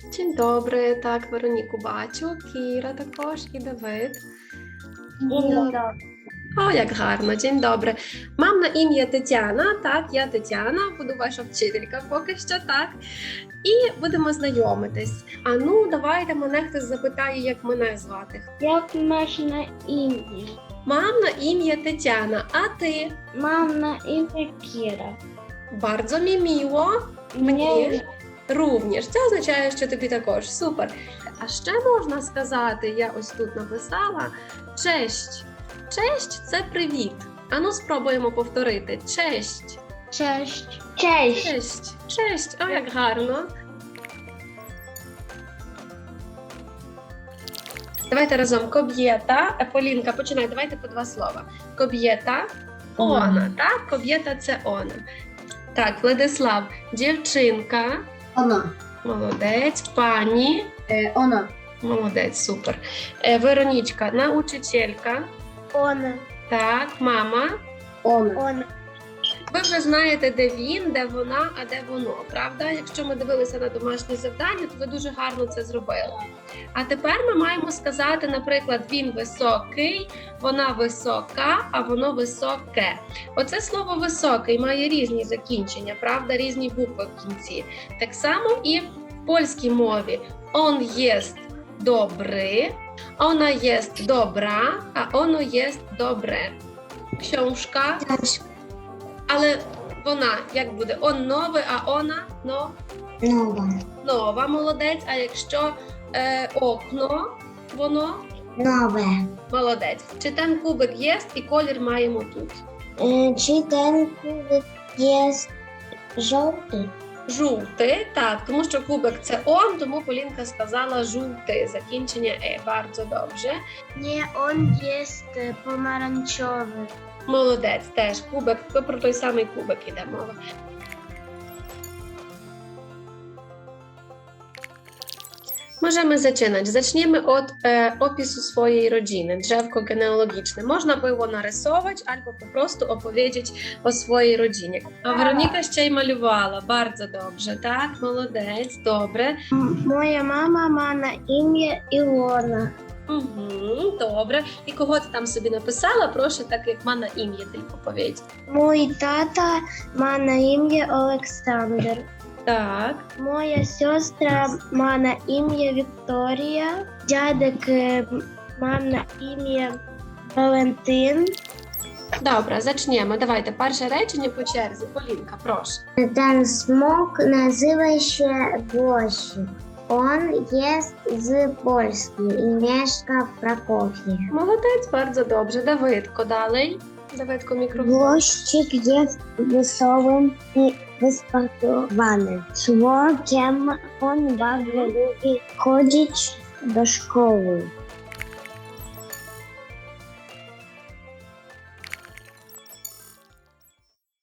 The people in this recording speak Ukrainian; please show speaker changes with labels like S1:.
S1: Dzień dobry, tak, Weроніку бачу, Кіра також і Давид. О, як гарно, dzień dobry. Mam na imię Тетяна, так, я Тетяна, буду ваша вчителька поки що, так. І будемо знайомитись. А ну, давайте мене хтось запитає, як мене звати.
S2: Як маєш на ім'я?
S1: Mam na imię Тетяна, а ти?
S2: Мам на ім'я Кіра.
S1: Bardzo mi miło. Мені również. Це означає, що тобі також. Супер. А ще можна сказати, я ось тут написала, честь. Честь – це привіт. Ану, спробуємо повторити. Честь.
S2: Честь. Честь.
S1: Честь. Честь. О, як гарно. Давайте разом. Коб'єта. Полінка, починай. Давайте по два слова. Коб'єта. Она. Так? Коб'єта – це она. Так, Владислав. Дівчинка.
S2: Вона.
S1: Молодець. Пані.
S2: Вона.
S1: Молодець, супер. Веронічка. Научителька.
S2: Вона.
S1: Так, мама.
S2: Вона.
S1: Ви вже знаєте, де він, де вона, а де воно, правда? Якщо ми дивилися на домашні завдання, то ви дуже гарно це зробили. А тепер ми маємо сказати, наприклад, він високий, вона висока, а воно високе. Оце слово «високий» має різні закінчення, правда? Різні букви в кінці. Так само і в польській мові. Он єст добрий, ona jest dobra, a ono jest dobre. Książka. Але вона, як буде? Он новий, а вона
S2: Нова.
S1: нова, молодець. А якщо окно, воно
S2: Нове.
S1: молодець. Чи ten кубик є і колір маємо тут?
S2: Чи ten кубик є жовтий?
S1: Жовтий, так, тому що кубик це он, тому Полінка сказала жовтий, закінчення Bardzo добре.
S2: Nie, on jest pomarańczowy.
S1: Молодець, теж кубик, про той самий кубик іде мова. Możemy zaczynać. Zaczniemy od opisu swojej rodziny, drzewko genealogiczne. Można było narysować albo po prostu opowiedzieć o swojej rodzinie. A Weronika ще й малювала. Bardzo dobrze, tak? Молодець, добре.
S2: Моя мама має на ім'я Ілона.
S1: Угу, добре. І кого ти там собі написала? Прошу, так як має на ім'я тільки повідь.
S2: Мій тата має на ім'я Олександр.
S1: Так.
S2: Моя сестра має на ім'я Вікторія. Дядек має на ім'я Валентин.
S1: Добре, зачнемо. Давайте перше речення по черзі. Полінка, прошу.
S2: Ten smok nazywa się Włosik. On jest z Polski i mieszka w Krakowie.
S1: Молодець, bardzo dobrze. Давидко, dalej. Давидко, мікрофон.
S2: Włościk jest wesołym i wysportowanym człowiekiem. On bardzo lubi chodzić do szkoły.